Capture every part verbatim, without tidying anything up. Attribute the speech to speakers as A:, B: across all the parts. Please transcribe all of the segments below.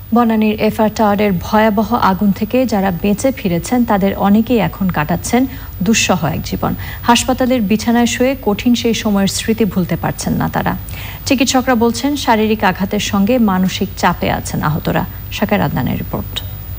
A: বনানীর FR টাওয়ারের ভয়াবহ আগুন থেকে যারা বেঁচে ফিরেছেন তাদের অনেকেই এখন কাটাচ্ছেন দুঃসহ এক জীবন। হাসপাতালের বিছানায় শুয়ে কঠিন সেই সময়ের স্মৃতি ভুলতে পারছেন না তারা। চিকিৎসকরা বলছেন শারীরিক আঘাতের সঙ্গে মানসিক চাপে আছেন আহতরা। শাকের আদনানের রিপোর্ট।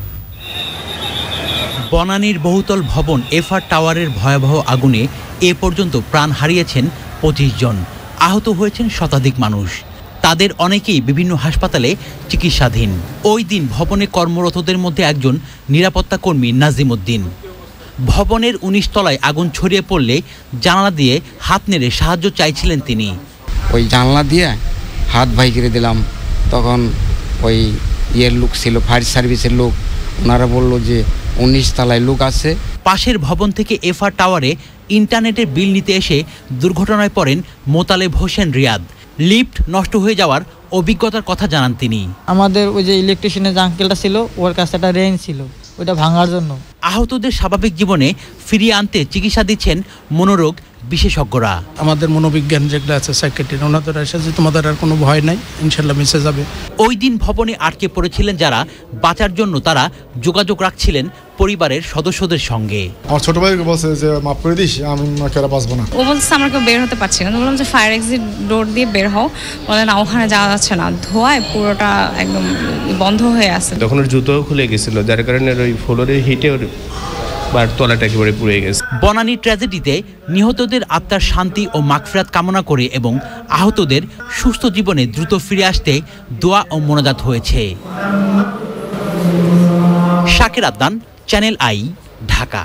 B: বনানীর বহুতল ভবন এফআর টাওয়ারের ভয়াবহ আগুনে এ পর্যন্ত প্রাণ হারিয়েছেন পঁচিশ জন, আহত হয়েছেন শতাধিক মানুষ। তাদের অনেকেই বিভিন্ন হাসপাতালে চিকিৎসাধীন। ওই দিন ভবনে কর্মরতদের মধ্যে একজন নিরাপত্তা কর্মী নাজিম উদ্দিন। ভবনের উনিশ তলায় আগুন ছড়িয়ে পড়লে জানালা দিয়ে হাত নেড়ে সাহায্য চাইছিলেন তিনি।
C: ওই জানলা দিয়ে হাত ভাই করে দিলাম, তখন ওই ইয়ের লোক ছিল, ফায়ার সার্ভিসের লোক, ওনারা বলল যে উনিশ তলায় লোক আছে।
B: পাশের ভবন থেকে এফআর টাওয়ারে ইন্টারনেটের বিল নিতে এসে দুর্ঘটনায় পড়েন মোতালেব হোসেন রিয়াদ। লিফট নষ্ট হয়ে যাওয়ার অভিজ্ঞতার কথা জানান তিনি।
D: আমাদের ওই যে ইলেকট্রিশিয়ানের যে আঙ্কেলটা ছিল, ওর কাছে একটা রেঞ্জ ছিল, ওইটা ভাঙার জন্য।
B: আহতদের স্বাভাবিক জীবনে ফিরিয়ে আনতে চিকিৎসা দিচ্ছেন মনোরোগ বিশেষজ্ঞরা।
E: আমাদের মনোবিজ্ঞান যেগুলো আছে সাইকিয়াট্রিস্ট, ওনাদের এসেছে, তোমাদের আর কোনো ভয় নাই, ইনশাল্লাহ মিশে যাবে।
B: ওই দিন ভবনে আটকে পড়েছিলেন যারা, বাঁচার জন্য তারা যোগাযোগ রাখছিলেন পরিবারের সদস্যদের সঙ্গে।
F: আমার ছোট ভাইকে বলছে যে মাফ করে দিস, আমি কেরা বাঁচবো না।
G: ও বলছে আমরা কেউ বের হতে পারছি না। বললাম যে ফায়ার এক্সিট ডোর দিয়ে বের হও। বলে না, ওখানে যাওয়া যাচ্ছে না, ধোঁয়ায় পুরোটা একদম বন্ধ হয়ে আছে।
H: তখন ওর জুতোও খুলে গেছিল, যার কারণে ওই ফ্লোরের হিটে ওর বার তলাটা একেবারে পুড়ে গেছে।
B: বনানী ট্র্যাজেডিতে নিহতদের আত্মার শান্তি ও মাগফিরাত কামনা করে এবং আহতদের সুস্থ জীবনে দ্রুত ফিরে আসতে দোয়া ও মোনাজাত হয়েছে। শাকের আদনান, চ্যানেল আই, ঢাকা।